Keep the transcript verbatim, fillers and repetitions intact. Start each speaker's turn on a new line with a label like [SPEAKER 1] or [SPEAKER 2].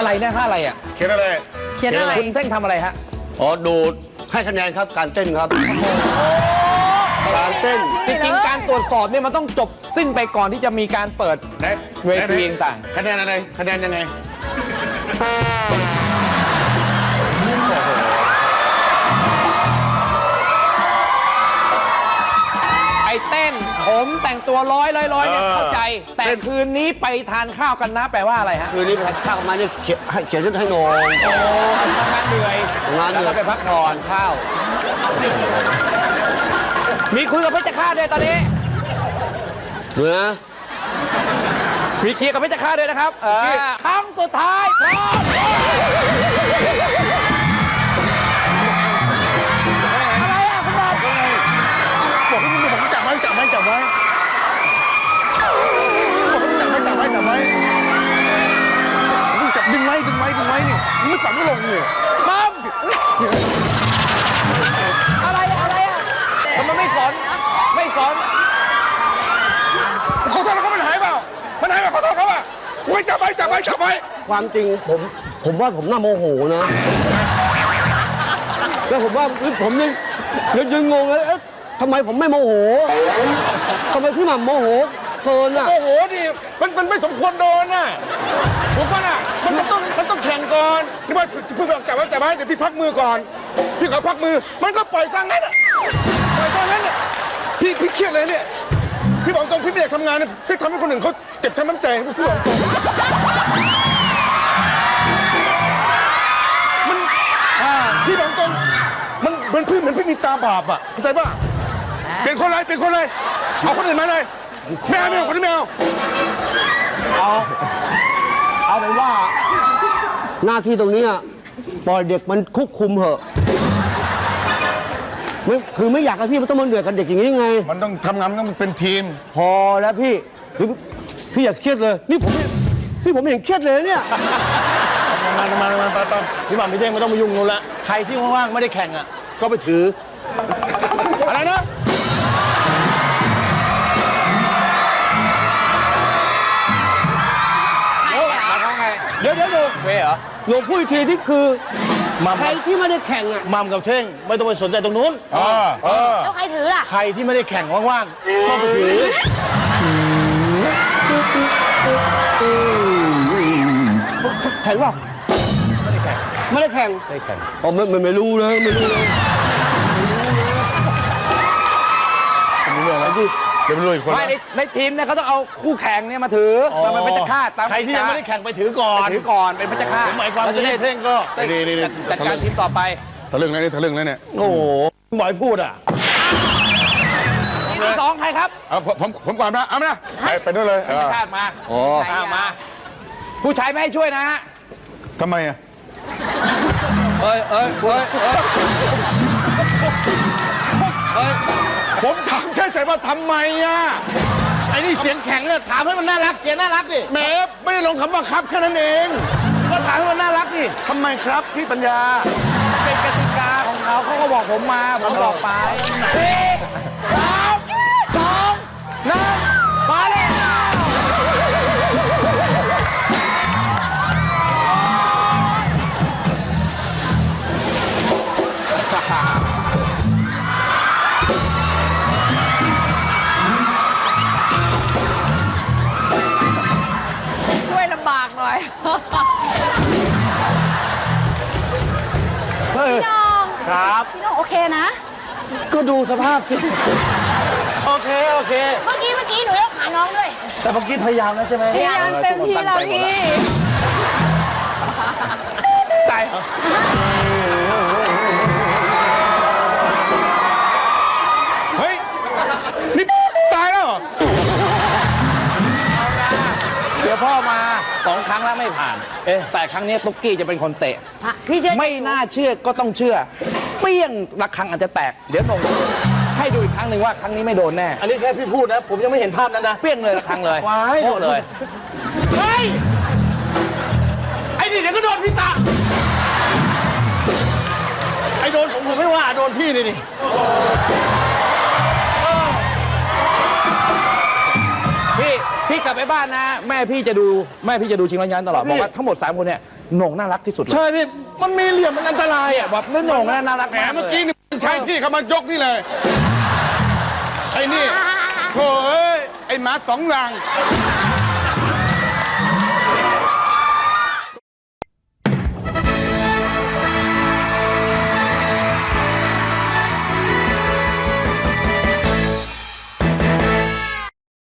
[SPEAKER 1] อะไรเนี่ยท่าอะไรอ่ะ
[SPEAKER 2] เขียนอะไร
[SPEAKER 3] เขียนอะไร
[SPEAKER 1] คุณเท่งทำอะไรฮะ
[SPEAKER 4] อ๋อดูให้คะแนนครับการเต้นครับการเต้น
[SPEAKER 1] จริงๆการตรวจสอบเนี่ยมันต้องจบสิ้นไปก่อนที่จะมีการเปิดเวทีต่าง
[SPEAKER 2] คะแนนอะไรคะแนนยังไง
[SPEAKER 1] ไอ้เต้นผมแต่งตัวร้อยร้อยร้อยเนี่ย
[SPEAKER 2] เออ
[SPEAKER 1] เข้าใจ แต่
[SPEAKER 2] เต้น
[SPEAKER 1] คืนนี้ไปทานข้าวกันนะแปลว่าอะไรฮะ
[SPEAKER 4] คืนนี้ไปทานข้าวมาเนี่ยเขียนให้เขียนชุดให้นอน
[SPEAKER 1] โอ้ทำงานเหนื่อย
[SPEAKER 4] ทำงานเหนื่อย
[SPEAKER 1] แล้วก็ไปพักผ่อน
[SPEAKER 4] ข้าว
[SPEAKER 1] มีคุยกับเพชรฆาตด้วยตอนนี้
[SPEAKER 4] เนื้อ
[SPEAKER 1] มีเคลียร์กับเพชรฆาตด้วยนะครับเออครั้งสุดท้ายพร้อมอะไรอ่ะคุณบอก
[SPEAKER 2] บอกให้มึงบอกให้จับไว้จับไว้จับไว้บอกให้จับไว้จับไว้จับไว้มึงจับดึงไว้ดึงไว้ดึงไว้นี่มึงไม่จับไม่ลงนี่
[SPEAKER 1] มัมอะไรอะอะไรอะทำไมไม่สอนไม่สอน
[SPEAKER 2] ขอโทษนะครับมันหายเปล่ามันหายเปล่าขอโทษเขาอ่ะไว้จับไว้จับไว้จับไว้
[SPEAKER 4] ความจริงผมผมว่าผมน่าโมโหนะแล้วผมว่าผมยังยังยังงงเลยเอ๊ะทำไมผมไม่โมโหทำไมพี่หม่ำโมโหเกินอ่ะ
[SPEAKER 2] โอ้โหดิมันมันไม่สมควรโดนน่ะผมว่าน่ะมันมันต้องมันต้องแข่งก่อนนี่ว่าพี่บอกจับไว้จับไว้เดี๋ยวพี่พักมือก่อนพี่ขอพักมือมันก็ปล่อยซะงั้นอ่ะปล่อยซะงั้นอ่ะพี่พี่เครียดเลยเนี่ยพี่บอกตรงพี่ไม่อยากทำงานเนี่ยที่ทำให้คนอื่นเขาเจ็บช้ำน้ำใจพี่บอกตรงมันพี่บอกตรงมันเหมือนพี่เหมือนพี่มีตาบาปอ่ะเข้าใจป่ะเป็นคนไรเป็นคนไรเอาคนอื่นมาเลยไม่เอาไม่เอาคนนี้ไม่เอา
[SPEAKER 4] เอาเอาเป็นว่า หน้าที่ตรงนี้อะปล่อยเด็กมันควบคุมเหอะไม่คือไม่อยากให้พี่มันต้องมาเหนื่อยกับเด็กอย่างนี้ไง
[SPEAKER 2] มันต้องทำงานมันต้องเป็นทีม
[SPEAKER 4] พอแล้วพี่พี่พี่อย่าเครียดเลย นี่ผมพี่ผมไม่เห็นเครียดเลยเนี่ย
[SPEAKER 2] มามามาไปไปพี่หม่ำพี่เท่งไม่ต้องมายุ่งนู่นละใครที่ว่างๆไม่ได้แข่งอ่ะก็ไปถือ อะไรนะเดี๋ยวเดี๋ยวเดี๋ยว
[SPEAKER 1] เวเหรอ
[SPEAKER 4] หลวงพูดอีกทีที่คือ
[SPEAKER 2] มัม
[SPEAKER 4] ใครที่ไม่ได้แข่งอ่ะ
[SPEAKER 2] มัมกับเท่งไม่ต้องไปสนใจตรงนู้นเออเออ
[SPEAKER 3] แล้วใครถือล่ะ
[SPEAKER 2] ใครที่ไม่ได้แข่งว่างๆก็ไปถือ
[SPEAKER 4] แข่งเปล่าไม่ได้แข่ง
[SPEAKER 1] ไม่ได้แข่ง
[SPEAKER 4] อ๋อไม่ไม่ไม่รู้เลยไม่รู้เลย
[SPEAKER 2] มีเรื่องอะไรที่เดี๋ยวไปดูอีกคน
[SPEAKER 1] ไม่ในในทีมเนี่ยเขาต้องเอาคู่แข่งเนี่ยมาถือมันเป็นเพชรฆาตตาม
[SPEAKER 2] ใครที่ยังไม่ได้แข่งไปถือก่อน
[SPEAKER 1] ถือก่อนเป็นเพชรฆาต
[SPEAKER 2] ผมหมายความ
[SPEAKER 1] เรจะได้
[SPEAKER 2] ที่เท่งก็
[SPEAKER 1] ได้
[SPEAKER 2] ดีดีดี
[SPEAKER 1] จัดการทีมต่อไป
[SPEAKER 2] ทะลึ่งแล้วนี่ทะลึ่งแล้วเนี่ยโอ้โหบอยพูดอ่ะ
[SPEAKER 1] ทีมที่สองใครครับ
[SPEAKER 2] เอาผมผมผมก่อนนะเอามาไปไปด้วยเลย
[SPEAKER 1] เพชรฆาตมา
[SPEAKER 4] อ๋อ
[SPEAKER 1] อ่ามา ผู้ชายไม่ให้ช่วยนะฮะ
[SPEAKER 2] ทำไมอ่ะ
[SPEAKER 4] เอ้ยเอ้ยเอ้ยเอ้ย
[SPEAKER 2] ผมถามใช่ๆว่าทำไมอ่ะ
[SPEAKER 1] ไอ้นี่เสียงแข็งเนี่ยถามให้มันน่ารักเสียงน่ารักดิ
[SPEAKER 2] แหมไม่ได้ลงคำว่าครับแค่นั้นเอง
[SPEAKER 1] ก็ถามให้มันน่ารักดิ
[SPEAKER 2] ทำไมครับพี่ปัญญา
[SPEAKER 1] เป็นกติกาของเขาเขาก็บอกผมมาผมบอกไปสี่สามสองหนึ่งมาเลย
[SPEAKER 3] ช่วยลำบากหน่อย
[SPEAKER 5] พี่น้อง
[SPEAKER 2] ครับ
[SPEAKER 5] พี่น้องโอเคนะ
[SPEAKER 2] ก็ดูสภาพสิ โอเค โอเค
[SPEAKER 3] เมื่อกี้เมื่อกี้หนูยกขาน้องด้วย
[SPEAKER 2] แต่เมื่อกี้พยายามแล้วใช่ไหม
[SPEAKER 5] พยายามเต็มที่แล้วพี่
[SPEAKER 1] ใจ
[SPEAKER 2] เฮ้ย นี่ตายแล้วเหรอ
[SPEAKER 1] เดี๋ยวพ่อมาสองครั้งแล้วไม่ผ่าน เอ๊ะแต่ครั้งนี้ตุ๊กกี้จะเป็นคนเตะ
[SPEAKER 3] พี่เชื่อ
[SPEAKER 1] ไม่น่าเชื่อก็ต้องเชื่อ เปี้ยงระฆังอาจจะแตก เดี๋ยวหนงให้ดูอีกครั้งหนึ่งว่าครั้งนี้ไม่โดนแน่
[SPEAKER 2] อันนี้แค่พี่พูดนะ ผมยังไม่เห็นภาพนั้นนะ
[SPEAKER 1] เปี้ยงเลยระฆังเลย
[SPEAKER 2] ว้าย
[SPEAKER 1] โง่เลย เฮ้ย ไอ้นี่เดี๋ยวก็โดนพี่ตา
[SPEAKER 2] ไอ้โดนผมผมไม่ว่าโดนพี่นี่นี่
[SPEAKER 1] พี่พี่กลับไปบ้านนะ แม่พี่จะดูแม่พี่จะดูชิงร้อยล้านตลอดบอกว่าทั้งหมดสามคนเนี่ยโหน่งน่ารักที่สุดเลย
[SPEAKER 2] ใช่พี่ มันมีเหลี่ยมมันอันตรายอ่ะ
[SPEAKER 1] แบบนั่นโหน่งน่ารัก
[SPEAKER 2] แหม
[SPEAKER 1] มาก
[SPEAKER 2] เมื่อกี้
[SPEAKER 1] ลย
[SPEAKER 2] นี่ใช้พี่เขามายกนี่เลย ไอ้นี่โถ่เอ้ย ไอ้หมาสองรัง